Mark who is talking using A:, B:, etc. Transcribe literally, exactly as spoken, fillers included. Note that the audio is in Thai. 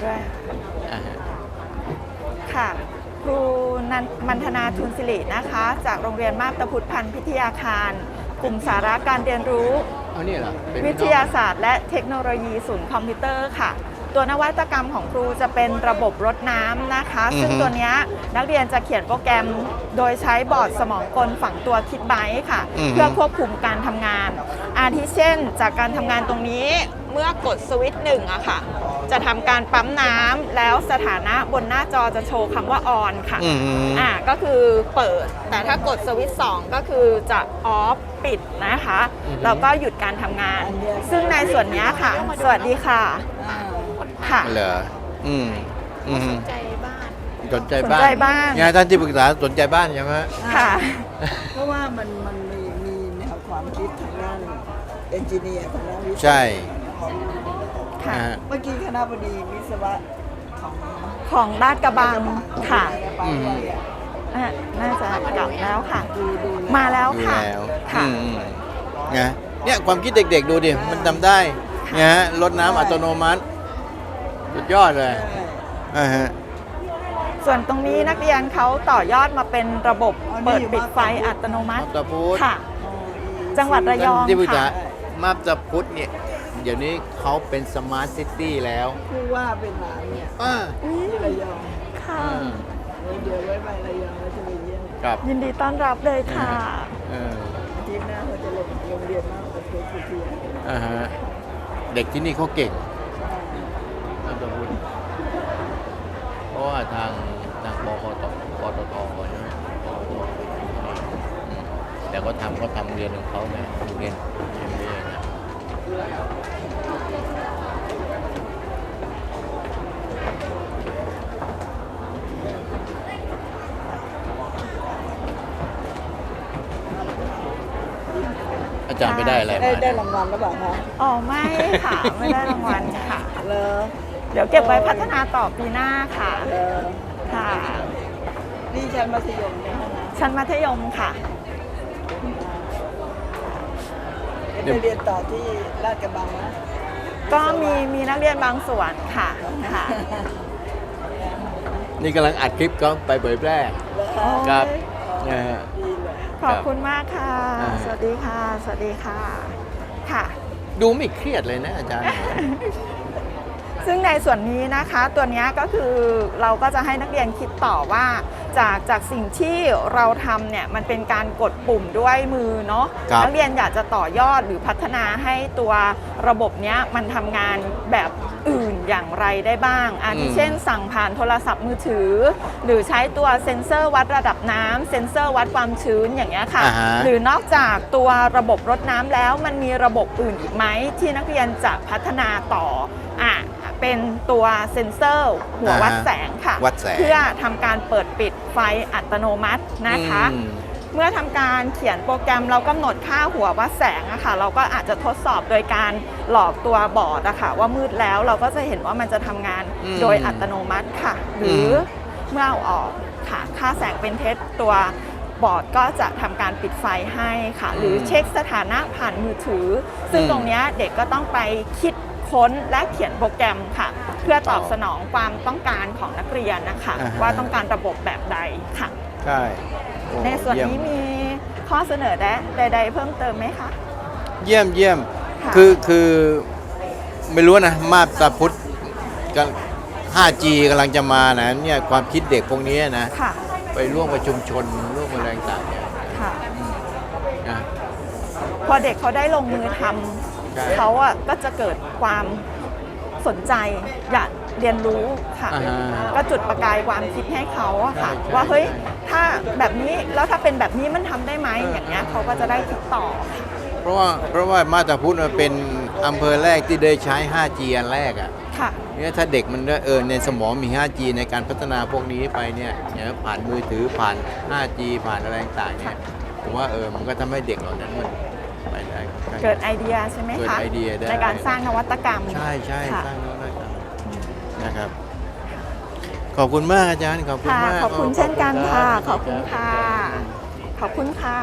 A: ด้วย
B: อ่าฮะ
A: ค่ะครูนันมันธนาทุนสิรินะคะจากโรงเรียนมาบตาพุทธพันธ์พิทยาคารกลุ่มสาระการเรียนรู้
B: เอาเนี่ยเหรอเป็นพี่น้อง
A: วิทยาศาสตร์และเทคโนโลยีศูนย์คอมพิวเตอร์ค่ะ ตัวนวัตกรรมของครูจะเป็นระบบรดน้ำนะคะ
B: อือฮึ
A: ซึ่งตัวเนี้ยนักเรียนจะเขียนโปรแกรมโดยใช้บอร์ดสมองกลฝังตัวคิดไบต์ค่ะ
B: อือฮึ
A: เพื่อควบคุมการทำงาน อาทิเช่น จากการทำงานตรงนี้เมื่อกดสวิตช์หนึ่งอะค่ะ จะทำการปั๊มน้ำแล้วสถานะบนหน้าจอจะโชว์คำว่าออนค่ะ
B: อืม
A: อ่าก็คือเปิด แต่ถ้ากดสวิตช์สองก็คือจะออฟปิดนะคะ
B: อือฮึ
A: แล้วก็หยุดการทำงาน ซึ่งในส่วนเนี้ยค่ะ สวัสดีค่ะค่ะ
B: เหรออืมอืม
C: สนใจบ้าน
B: สนใจบ้าน
A: สนใจบ้าน
B: ไงท่านที่ปรึกษาสนใจบ้านใช่ไหมฮะ
A: ค่ะ
D: เพราะว่ามันมันมีมีแนวความคิดทางด้านเอนจิเนียร์ทางด้านวิศวะ
B: ใช่
A: ค่ะ
B: นะฮะ
D: เมื่อกี้คณะบดีวิศวะของ
A: ของลาดกระบังค่ะ
D: ไปด้วยอะ
A: อ่ะน่าจะกลับแล้วค่ะ
D: ดูดู
A: มาแล้ว
B: ดู
A: ค่ะ
B: แล้ว
A: ค่ะ
B: อืมอืมไงเนี่ยความคิดเด็กๆดูดิ มันทำได้ไงฮะรดน้ำอัตโนมัติสุดยอดเลย
D: ใช่
B: อ่าฮะ
A: ส่วนตรงนี้นักเรียนเขาต่อยอดมาเป็นระบบเปิดปิดไฟอัตโนมั
B: มา
A: ติ
B: บตาพุธ
A: ค่ะ
D: อ๋ออี
A: จังหวัดระยอง
B: ที่ปรึกษา
A: ค่ะ
B: มาบตาพุธเนี่ย เดี๋ยวนี้เขาเป็นสมาร์ทซิตี้แล้ว
D: ผู้ว่าเป็นหลานเนี่ย
B: อ่า
D: ที่ระยอง
A: ค่ะ
D: เดี๋ยวไว้ไประยองแล้วจะไปเยี่ยม
B: ครับ
A: ยินดีต้อนรับเลยค่ะ
B: เออ
D: อาทิตย์หน้าเขาจะลงโรงเรียนมากกว่าเพื่อนเพื่อน
B: อ่าฮะเด็กที่นี่เขาเก่งมาบตาพุธเพราะว่าทางทางปคตปตทใช่ไหมอืมแต่ก็ทำก็ทำเรียนของเขาไงเรียนเรียนเรียนนะ อาจารย์ไปได้อะไร
D: ได้
B: มา
D: ได้
B: เนี่ย
D: รางวัลหรือเปล่าคะ
A: อ๋อไม่ค่ะ ไม่ได้รางวัลค่ะ
D: เลอ
A: เดี๋ยวเก็บไว้พัฒนาต่อปีหน้าค่ะ
D: เลอ
A: ค่ะ
D: นี่ชั้นมัธยมเนี่ยนะ
A: ชั้นมัธยมค่ะ
D: เดี๋ยวไปเรียนต่อที่ลาดกระบังนะ
A: ก็มีมีนักเรียนบางส่วนค่ะค่ะ
B: นี่กำลังอัดคลิปก็ไปเผยแพร่ ครับนะฮะ
D: ดีเลย
A: ขอบคุณมากค่ะ
B: อ่า
A: สวัสดีค่ะ สวัสดีค่ะ ค่ะ
B: ดูไม่เครียดเลยนะอาจารย์
A: ซึ่งในส่วนนี้นะคะตัวเนี้ยก็คือเราก็จะให้นักเรียนคิดต่อว่าจากจากสิ่งที่เราทำเนี่ยมันเป็นการกดปุ่มด้วยมือเนาะ
B: ครับ
A: นัเรียนอยากจะต่อยอดหรือพัฒนาให้ตัวระบบเนี้ยมันทำงานแบบอื่นอย่างไรได้บ้างอาทิเช่น สั่งผ่านโทรศัพท์มือถือ หรือใช้ตัวเซ็นเซอร์วัดระดับน้ำเซ็นเซอร์วัดความชื้นอย่างเงี้ยค่ะ
B: อ่าฮะ
A: หรือนอกจากตัวระบบรดน้ำแล้วมันมีระบบอื่นอีกไหมที่นักเรียนจะพัฒนาต่ออ่ะเป็นตัวเซ็นเซอร์หัววัดแสงค่ะ
B: วัดแสง
A: เพื่อทำการเปิดปิดไฟอัตโนมัตินะคะ
B: อืม
A: เมื่อทำการเขียนโปรแกรมเรากำหนดค่าหัววัดแสงอะค่ะเราก็อาจจะทดสอบโดยการหลอกตัวบอร์ดอะค่ะว่ามืดแล้วเราก็จะเห็นว่ามันจะทำงาน
B: อืม
A: โดยอัตโนมัติค่ะ หรืออ
B: ม
A: เมื่อเอาออกค่ะค่าแสงเป็นเท็จตัวบอร์ดก็จะทำการปิดไฟให้ค่ะ หรือเช็คสถานะผ่านมือถือ ซึ่งตรงเนี้ยเด็กก็ต้องไปคิดค้นและเขียนโปรแกรมค่ะ เพื่อตอบสนองความต้องการของนักเรียนนะคะ
B: อ่าฮะ
A: ว่าต้องการระบบแบบใดค่ะ
B: ใช่โอ้
A: ในส่วน
B: เยี่ยม
A: นี้มีข้อเสนอแนะใด ๆ เพิ่มเติมไหมคะ
B: เยี่ยมเยี่ยม
A: ค่ะ
B: คือคือไม่รู้นะมาบตาพุธกัน ห้าจี กำลังจะมานะเนี่ยความคิดเด็กพวกนี้นะ
A: ค่ะ
B: ไปร่วมประชุมชนร่วมอะไรต่างๆเนี่ย
A: ค่ะ
B: นะ
A: พอเด็กเขาได้ลงมือท
B: ใช่
A: ำเขาอ่ะก็จะเกิดความสนใจอยากเรียนรู้ค่ะ
B: อ่าฮะ
A: ก็จุดประกายความคิดให้เขาอะค่ะ
B: ใช่ใช่
A: ว่าเฮ้ย
B: ใช่
A: ถ้าแบบนี้แล้วถ้าเป็นแบบนี้มันทำได้ไหมอย่างเงี้ยเขาก็จะได้คิดต่อ
B: เพราะว่าเพราะว่ามาบตาพุธมันเป็นอำเภอแรกที่ได้ใช้ ห้าจี อันแรกอ่ะ
A: ค่ะ
B: เนี่ยถ้าเด็กมันได้เออในสมองมี ห้าจี ในการพัฒนาพวกนี้ไปเนี่ยเนี่ยผ่านมือถือผ่าน ห้าจี ผ่านอะไรต่างๆเนี่ยผมว่าเออมันก็ทำให้เด็กเหล่านั้นมันไปได้
A: เกิดไอเดียใช่ไหม
B: เกิด
A: คะ
B: ไอเดียได้
A: ในการสร้างนวัตกรรม
B: ใช่ใช่
A: ค่ะ
B: สร้างนวัตกรรมนะครับ ขอบคุณมากอาจารย์ขอบคุณ
A: ค่ะ
B: มาก
A: ขอบคุณเช่นกันค่ะ ขอบคุณ
B: รับ
A: ค่ะ ขอบคุณค่ะ